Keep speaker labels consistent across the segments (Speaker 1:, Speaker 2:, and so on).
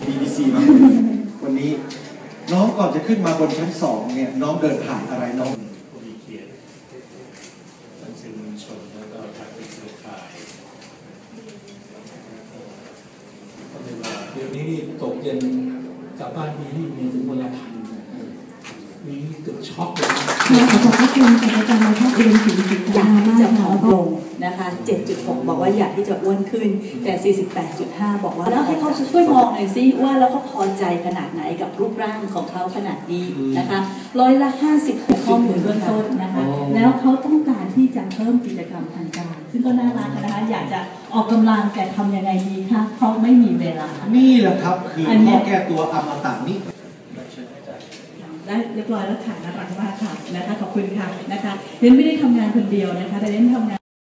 Speaker 1: BBC มาวันนี้น้องก่อนจะขึ้นมาบนชั้น2เนี่ยน้องเดินผ่านอะไรน้อง
Speaker 2: ผู้มีเกียรติท่านสื่อมวลชนแล้วก็ทางเครือข่ายก็เลยว่าเดี๋ยวนี้ตกเย็นกลับบ้านมีถึงวันละพันมีเกือบช็อกเลย
Speaker 3: ขอบพระคุณอาจารย์มาทักเองถึง
Speaker 4: อยากที่จะผอมลงนะคะ 7.6 บอกว่าอยากที่จะอ้วนขึ้นแต่ 48.5 บอกว่าแล้วให้เขาช่วยมองหน่อยซิว่าแล้วเขาพอใจขนาดไหนกับรูปร่างของเขาขนาดนี้นะคะ50%
Speaker 3: ข้อมูลเบื้องต้นนะคะแล้วเขาต้องการที่จะเพิ่มกิจกรรมทางกายซึ่งก็น่ารักนะคะอยากจะออกกำลังแต่ทำยังไงดีคะเขาไม่มีเวลา
Speaker 1: นี่แหละครับคือข้อแก้ตัวอมตะนี้
Speaker 3: ได้เรียบร้อยแล้วค่ะน่ารักมากค่ะนะคะขอบคุณค่ะนะคะเรนไม่ได้ทำงานคนเดียวนะคะแต่เรนทำงาน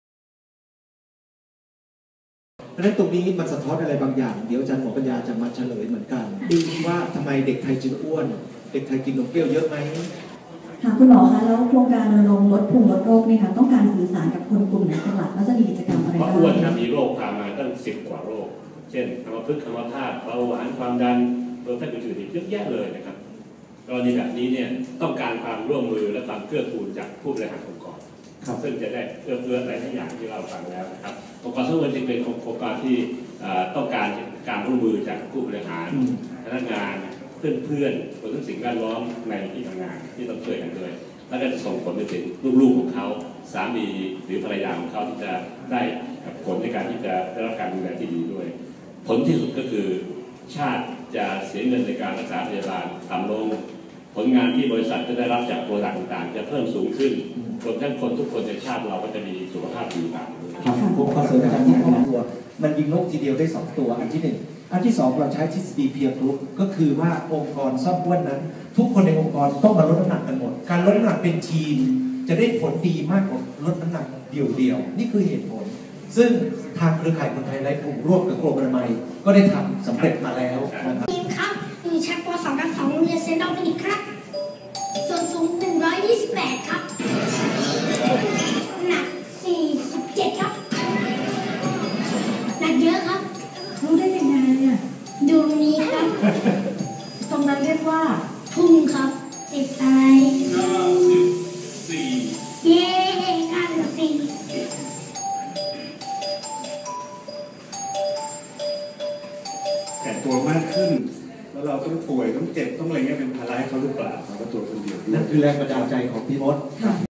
Speaker 1: เพราะฉะนั้นตรงนี้มันสะท้อนอะไรบางอย่างเดี๋ยวอาจารย์หมอปัญญาจะมาเฉลยเหมือนกันว่าทำไมเด็กไทยจึงอ้วนเด็กไทยกินนมเปรี้ยวเยอะไหม
Speaker 5: ค่ะคุณหมอคะแล้วโครงการรณรงค์ลดภูมิลดโรคนี่ค่ะต้องการสื่อสารกับคนกลุ่มไหนเป็นหลักแล้วจะมีกิจกรรมอะไรบ้าง
Speaker 2: เพราะอ้วนมีโรคตามมาตั้ง10 กว่าโรคเช่นอัมพฤกษ์อัมพาตเบาหวานความดันรวมทั้งอื่นๆอีกเยอะแยะเลยนะครับกรณีแบบนี้เนี่ยต้องการความร่วมมือและความเกื้อกูลจากผู้บริหารองค์กรซึ่งจะได้เอื้ออะไรทุกอย่างที่เราฟังแล้วนะครับองค์กรทั้งหมดจึงเป็นองค์กรที่ต้องการการร่วมมือจากผู้บริหารพนักงานเพื่อนๆรวมทั้งสิ่งแวดล้อมในที่ทำงานที่ต้องช่วยกันด้วยและก็จะส่งผลไปถึงลูกๆของเขาสามีหรือภรรยาของเขาที่จะได้ผลในการที่จะได้รับการดูแลที่ดีด้วยผลที่สุดก็คือชาติจะเสียเงินในการรักษาพยาบาลต่ำลงผลงานที่บริษัทจะได้รับจากโปรดักต์ต่างๆจะเพิ่มสูงขึ้นรวมทั้งคนทุกคนในชาติเราก็จะมีสุขภาพดีตาม
Speaker 1: ผมขอเสริมอาจารย์ที่2 ตัวมันยิงนกทีเดียวได้2 ตัวอันที่1อันที่2เราใช้ทฤษฎีเพียร์กรุ๊ปก็คือว่าองค์กรซ่อมอ้วนนั้นทุกคนในองค์กรต้องมาลดน้ำหนักกันหมดการลดน้ำหนักเป็นทีมจะได้ผลดีมากกว่าลดน้ำหนักเดี่ยวๆนี่คือเหตุผลซึ่งทางเครือข่ายคนไทยไร้ภูมิร่วมกับกรมอนามัยก็ได้ทำสำเร็จมาแล้วนะครับ
Speaker 6: ทีมครับอยู่ชั้นป .2 กับ2โรงเรียนเซนต์ดอมินิกครับส่วนสูง128ครับหนัก47ครับหนักเยอะครับ
Speaker 3: รู้ได้ยังไงอ่ะ
Speaker 6: ดูนี้ครับ
Speaker 3: ตรงนั้นเรียกว่า
Speaker 6: พุ่งครับติดอะไร94เย้94
Speaker 2: แต่ตัวมากขึ้นแล้วเราต้องป่วยต้องเจ็บต้องอะไรเงี้ยเป็นภาระให้เขาหรือเปล่าเราก็ตัวคนเดียว
Speaker 1: นั่นคือแรงบันดาลใจของพี่มด